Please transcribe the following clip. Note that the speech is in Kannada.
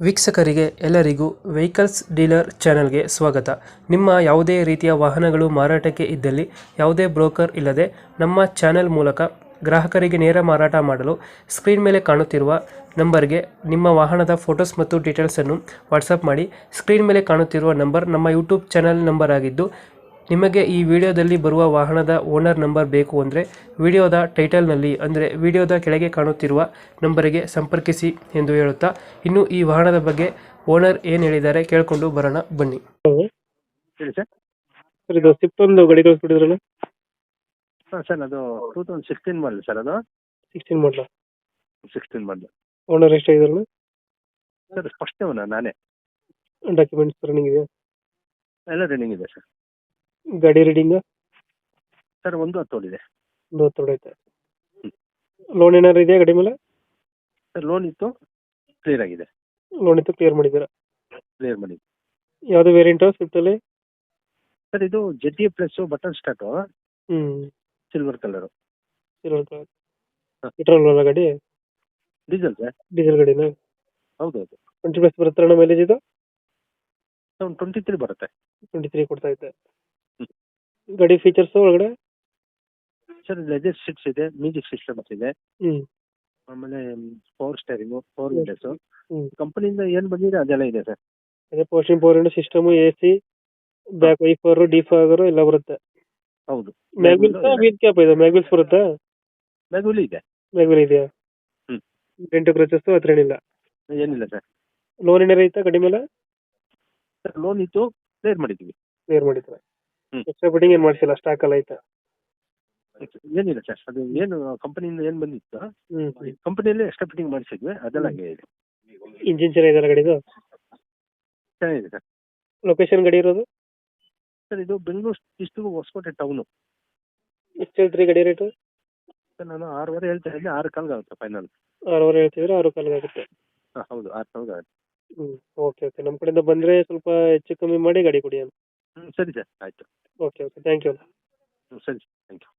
ವೀಕ್ಷಕರಿಗೆ ಎಲ್ಲರಿಗೂ ವೆಹಿಕಲ್ಸ್ ಡೀಲರ್ ಚಾನೆಲ್ಗೆ ಸ್ವಾಗತ. ನಿಮ್ಮ ಯಾವುದೇ ರೀತಿಯ ವಾಹನಗಳು ಮಾರಾಟಕ್ಕೆ ಇದ್ದಲ್ಲಿ ಯಾವುದೇ ಬ್ರೋಕರ್ ಇಲ್ಲದೆ ನಮ್ಮ ಚಾನೆಲ್ ಮೂಲಕ ಗ್ರಾಹಕರಿಗೆ ನೇರ ಮಾರಾಟ ಮಾಡಲು ಸ್ಕ್ರೀನ್ ಮೇಲೆ ಕಾಣುತ್ತಿರುವ ನಂಬರ್ಗೆ ನಿಮ್ಮ ವಾಹನದ ಫೋಟೋಸ್ ಮತ್ತು ಡೀಟೇಲ್ಸನ್ನು ವಾಟ್ಸಪ್ ಮಾಡಿ. ಸ್ಕ್ರೀನ್ ಮೇಲೆ ಕಾಣುತ್ತಿರುವ ನಂಬರ್ ನಮ್ಮ ಯೂಟ್ಯೂಬ್ ಚಾನೆಲ್ ನಂಬರ್ ಆಗಿದ್ದು, ನಿಮಗೆ ಈ ವಿಡಿಯೋದಲ್ಲಿ ಬರುವ ವಾಹನದ ಓನರ್ ನಂಬರ್ ಬೇಕು ಅಂದರೆ ವಿಡಿಯೋದ ಟೈಟಲ್ನಲ್ಲಿ ಅಂದರೆ ವಿಡಿಯೋದ ಕೆಳಗೆ ಕಾಣುತ್ತಿರುವ ನಂಬರಿಗೆ ಸಂಪರ್ಕಿಸಿ ಎಂದು ಹೇಳುತ್ತಾ, ಇನ್ನು ಈ ವಾಹನದ ಬಗ್ಗೆ ಓನರ್ ಏನು ಹೇಳಿದ್ದಾರೆ ಕೇಳಿಕೊಂಡು ಬರೋಣ ಬನ್ನಿ. ಹೇಳಿ ಸರ್. ಸರ್, ಇದು ಸ್ವಿಫ್ಟ್ ಒಂದು ಗಾಡಿ ಕಳಿಸ್ಬಿಟ್ಟಿದ್ರಲ್ಲ, ಹಾಂ ಸರ್, ಅದು 2016 ಮಾಡಲ್ ಸರ್. ಅದು 16 ಮಾಡಲ 16 ಮಾಡಲ್ ಓನರ್ ಎಷ್ಟಾಗಿದ್ರಲ್ಲ? ಸರ್. ಫಸ್ಟ್ ನಾನೇ. ಡಾಕ್ಯುಮೆಂಟ್ಸ್ ರನ್ನಿಂಗ್ ಇದೆ? ಎಲ್ಲ ರನ್ನಿಂಗ್ ಇದೆ ಸರ್. ಗಾಡಿ ರೀಡಿಂಗ್ ಸರ್ 110 ಓಡಿದೆ. 110 ಐತೆ. ಲೋನ್ ಏನಾರು ಇದೆಯಾ ಗಾಡಿ ಮೇಲೆ? ಸರ್ ಲೋನ್ ಇತ್ತು, ಕ್ಲಿಯರ್ ಆಗಿದೆ. ಲೋನ್ ಇತ್ತು, ಕ್ಲಿಯರ್ ಮಾಡಿದ್ದೀರಾ? ಕ್ಲಿಯರ್ ಮಾಡಿ. ಯಾವುದು ವೇರಿಯಂಟು ಸ್ವಿಫ್ಟಲ್ಲಿ? ಸರ್ ಇದು ZA ಪ್ಲಸ್ ಬಟನ್ ಸ್ಟಾರ್ಟು, ಹ್ಞೂ, silver colour. Silver colour. Petrol ಅಲ್ಲ ಗಾಡಿ? Diesel sir. ಡೀಸೆಲ್ ಗಾಡಿನಾ? ಹೌದು ಹೌದು. 20+ ಬರುತ್ತೆ ಅಣ್ಣ ಮೈಲೇಜ್ ಇದು? ಸರ್ 23 ಬರುತ್ತೆ. 23 ಕೊಡ್ತಾ ಐತೆ. ಹ್ಮ್. ಗಾಡಿ ಫೀಚರ್ಸ್ ಒಳಗಡೆ? ಸರ್ ಲೆದರ್ ಸೀಟ್ಸ್ ಇದೆ, ಮ್ಯೂಸಿಕ್ ಸಿಸ್ಟಮ್ಸ್ ಇದೆ, ಹ್ಞೂ, ಆಮೇಲೆ ಪವರ್ ಸ್ಟೇರಿಂಗು, ಪವರ್ ವಿಂಡೋಸು. ಹ್ಞೂ. ಕಂಪನಿಯಿಂದ ಏನು ಬಂದಿದೆ ಅದೆಲ್ಲ ಇದೆ ಸರ್. ಅದೇ posting power window system, AC, back wiper, defogger ಎಲ್ಲ ಬರುತ್ತೆ. ಹೌದು. ಮ್ಯಾಗ್ವಿಲ್ಸ್ ವೀಲ್ ಕ್ಯಾಪ್ ಇದೆ? ಮ್ಯಾಗ್ವಿಲ್ಸ್ ಬರುತ್ತಾ? ಮ್ಯಾಗುಲಿ ಇದೆ. ಮ್ಯಾಗ್ವಿಲ್ ಇದೆಯಾ? ಹ್ಮ್. ಡೆಂಟು ಕ್ರಚಸ್ ಹತ್ರ ಏನಿಲ್ಲ? ಏನಿಲ್ಲ ಸರ್. ಲೋನ್ ಏನಾರು ಐತಾ ಗಾಡಿ ಮೇಲೆ? ಸರ್ ಲೋನ್ ಇತ್ತು, ಕ್ಲಿಯರ್ ಮಾಡಿದ್ದೀವಿ. ಕ್ಲಿಯರ್ ಮಾಡಿದ್ರೆ ಹ್ಮ್. ಎಕ್ಸ್ಟ್ರಾ ಬಿಟ್ಟಿಂಗ್ ಏನು ಮಾಡಿಸಿಲ್ಲ, ಸ್ಟಾಕ್ ಎಲ್ಲ ಐತಾ? ಏನಿಲ್ಲ ಸರ್, ಅದು ಏನು ಕಂಪನಿಯಿಂದ ಏನು ಬಂದಿತ್ತು ಹ್ಞೂ. ಕಂಪನಿಯಲ್ಲೇ ಎಕ್ಸ್ಟ್ರಾ ಫಿಟ್ಟಿಂಗ್ ಮಾಡಿಸಿದ್ವಿ, ಅದೆಲ್ಲ ಹಂಗೆ ಇದೆ. ಇಂಜಿನ್ ಚೆನ್ನಾಗಿದೆಯಲ್ಲ ಗಾಡಿದು? ಚೆನ್ನಾಗಿದೆ ಸರ್. ಲೊಕೇಶನ್ ಗಾಡಿ ಇರೋದು? ಸರ್ ಇದು ಬೆಂಗಳೂರು ಡಿಸ್ಟ್ರಿಕ್ಟ್ ಹೊಸಕೋಟೆ ಟೌನು. ಎಷ್ಟು ಹೇಳ್ತೀರಿ ಗಾಡಿ ರೇಟು? ಸರ್ ನಾನು 6.5 ಹೇಳ್ತಾ ಇದ್ದೆ, 6 ಕಾಲ್ಗೆ ಆಗುತ್ತೆ ಫೈನಲ್. 6.5 ಹೇಳ್ತಿದ್ರೆ 6 ಕಾಲಿಗೆ ಆಗುತ್ತೆ. ಹಾಂ ಹೌದು, 6 ಕಾಲ್ಗೆ ಆಗುತ್ತೆ. ಹ್ಞೂ, ಓಕೆ ಓಕೆ. ನಮ್ಮ ಕಡೆಯಿಂದ ಬಂದರೆ ಸ್ವಲ್ಪ ಹೆಚ್ಚು ಕಮ್ಮಿ ಮಾಡಿ ಗಾಡಿ ಕೊಡಿ. ಸರಿ ಸರ್, ಆಯಿತು. Okay okay, thank you. ಸರಿ, ಥ್ಯಾಂಕ್ ಯು.